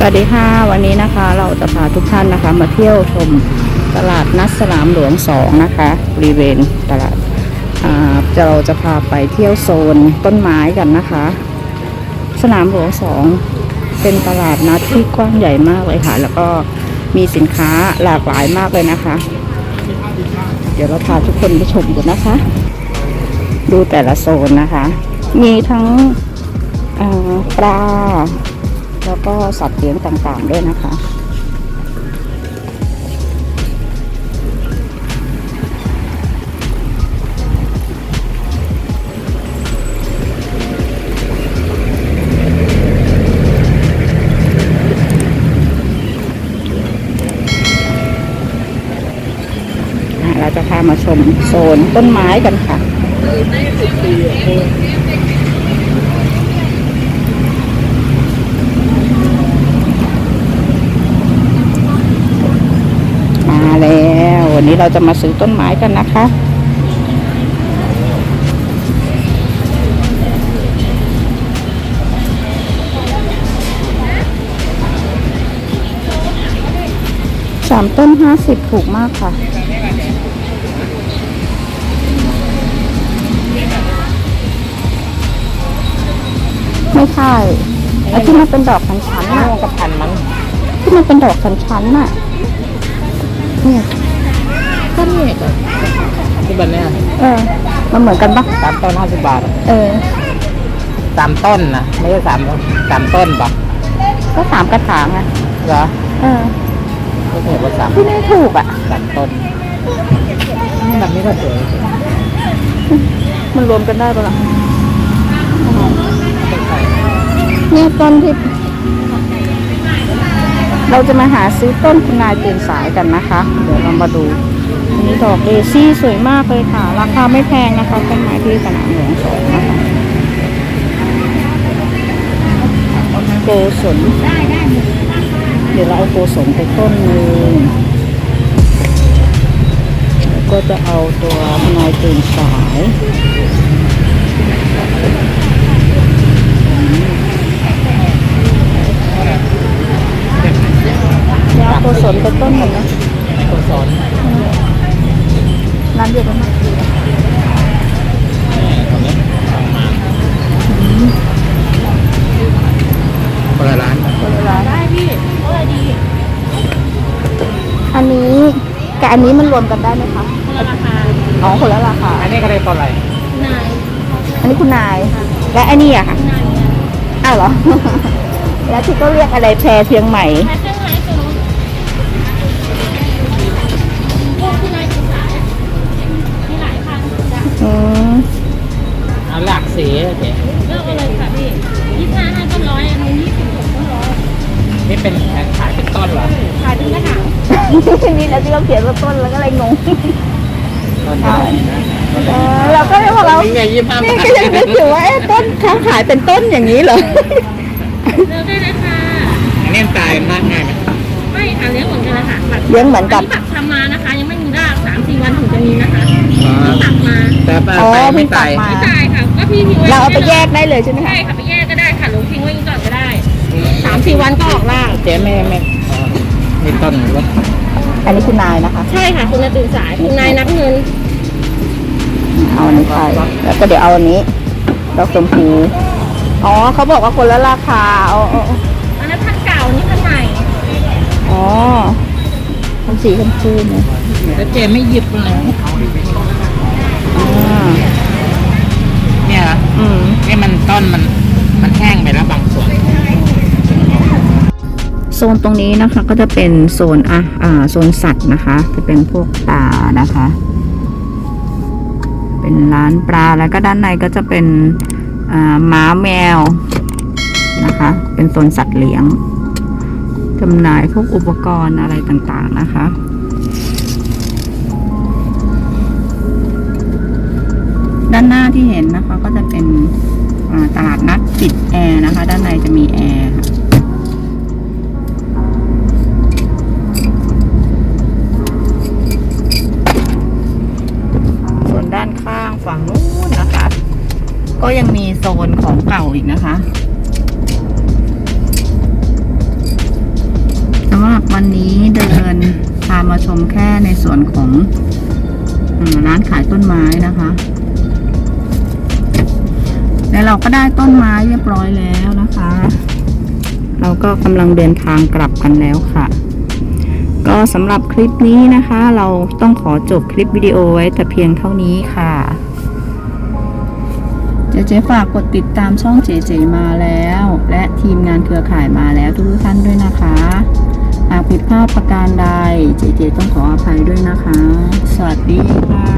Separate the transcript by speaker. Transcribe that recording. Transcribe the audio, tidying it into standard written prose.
Speaker 1: วัสดีค่ะวันนี้นะคะเราจะพาทุกท่านนะคะมาเที่ยวชมตลาดนัดสนามหลวง2นะคะบริเวณตลาดเราจะพาไปเที่ยวโซนต้นไม้กันนะคะสนามหลวง2เป็นตลาดนัดที่กว้างใหญ่มากเลยค่ะแล้วก็มีสินค้าหลากหลายมากเลยนะคะเดี๋ยวเราพาทุกคนไปชมกันนะคะดูแต่ละโซนนะคะมีทั้งปลาแล้วก็สัตว์เลี้ยงต่างๆด้วยนะคะเราจะพามาชมโซนต้นไม้กันค่ะมาแล้ววันนี้เราจะมาซื้อต้นไม้กันนะคะ3 ต้น50ถูกมากค่ะไม่ใช่ไอ้ที่มันเป็นดอกชั้นๆน่ะกับพันมั้งที่มันเป็นดอกชั้นๆน่ะเนี่ย
Speaker 2: ก็นี่ที่แบบเนี้ย
Speaker 1: มันเหมือนกันปะ
Speaker 2: 3 ต้น50 บาท3 ต้นนะไม่ใช่3 ต้นปะ
Speaker 1: ก็3 กระถางอ่ะ
Speaker 2: เหรอก็เห็นว่า3
Speaker 1: ที่ไม่ถูกอ่ะ
Speaker 2: 3 ต้นนี่แบบนี้ก็สวย
Speaker 1: มันรวมกันได้ปะล่ะเนี่ยต้นที่เราจะมาหาซื้อต้นคุณนายตื่นสายกันนะคะเดี๋ยวเรามาดูอันนี้ดอกเดซี่สวยมากเลยค่ะราคาไม่แพงนะคะต้นไม้ที่สนามหลวง2นะคะโกศลเดี๋ยวเราเอาโกศลไปต้นนึงแล้วก็จะเอาตัวคุณนายตื่นสายโกศลเป็นต้นหนึ่งนะ
Speaker 2: โกศล
Speaker 1: ร้านเดียวกันไหม
Speaker 2: คนละร้าน
Speaker 1: ได้พี่ดีอันนี้กับอันนี้มันรวมกันได้ไหมคะ
Speaker 2: คนละราคา
Speaker 1: คนละราคา
Speaker 2: อันนี้ก็ได้ตัวอะไร
Speaker 1: นายอันนี้คุณนายและอันนี้อะค่ะอ้าวเหรอแล้วที่ก็เรียกอะไรแพรเพียงใหม่
Speaker 2: เอาหลากสีโอเค
Speaker 3: เลือกเลยค่ะพี่25 ให้ต้น100อันนี้26 ต้น100
Speaker 2: นี่เป็นขายเป็นต้นเหรอ
Speaker 3: ขายเป็นกระถาง
Speaker 1: นี่แล้วที่เขาเขียนว่าต้นแล้วก็เลยงง
Speaker 2: ต้น
Speaker 1: เราก็เลยบอกเรา
Speaker 2: นี่ไง25
Speaker 1: นี่ก็ยังนึกอยู่ว่าต้นเขาขายเป็นต้นอย่างนี้เหรอ
Speaker 3: เลือกได้เลยค่ะ
Speaker 2: อันนี้ตายมากง่ายไหม
Speaker 3: ไม่ค่ะเลี้ยงเหมือนกันนะคะ
Speaker 1: เลี้ยงเหมือนกัน
Speaker 3: ปักทำมานะคะยังไม่มีราก 3-4 วันถึงจะมีนะคะตักมา
Speaker 2: แต่ไม่ตาย
Speaker 3: ไม่ตายค่ะก็พี่ทิ้งไว้
Speaker 1: เราเอาไปแยกได้เลยใช่ไหมคะ
Speaker 3: ใช่ค่ะไปแยกก็ได้ค่ะหรือทิ้งไว้ก่อนก็ได้ 3-4 วันก็ออกราก
Speaker 2: เจ๊ไม่มีต้นหรือว่า
Speaker 1: อันนี้คุณนายนะคะ
Speaker 3: ใช่ค่ะคุณนายตื่นสายคุณนายนับเงิน
Speaker 1: เอาอันนี้ไปแล้วก็เดี๋ยวเอาอันนี้ดอกชมพูเขาบอกว่าคนละราคา
Speaker 3: อันนั้นพันเก่านี่พันใหม่
Speaker 1: พันสีชมพูเนี่ย
Speaker 2: แล้วเจ๊ไม่หยิบเลยเนี่ยนี่มันต้นมันแห้งไปแล้วบางส่วน
Speaker 1: โซนตรงนี้นะคะก็จะเป็นโซนโซนสัตว์นะคะจะเป็นพวกปลานะคะเป็นร้านปลาแล้วก็ด้านในก็จะเป็นม้าแมวนะคะเป็นโซนสัตว์เลี้ยงจำหน่ายพวกอุปกรณ์อะไรต่างๆนะคะด้านหน้าที่เห็นนะคะก็จะเป็นตลาดนัดปิดแอร์นะคะด้านในจะมีแอร์ส่วนด้านข้างฝั่งนู้นนะคะก็ยังมีโซนของเก่าอีกนะคะวันนี้เดินพามาชมแค่ในส่วนของร้านขายต้นไม้นะคะ แล้วเราก็ได้ต้นไม้เรียบร้อยแล้วนะคะ เราก็กำลังเดินทางกลับกันแล้วค่ะ ก็สำหรับคลิปนี้นะคะ เราต้องขอจบคลิปวิดีโอไว้แต่เพียงเท่านี้ค่ะเจ๊ฝากกดติดตามช่องเจมาแล้ว และทีมงานเครือข่ายมาแล้วทุกท่านด้วยนะคะหากผิดพลาดประการใดเจต้องขออภัยด้วยนะคะ สวัสดีค่ะ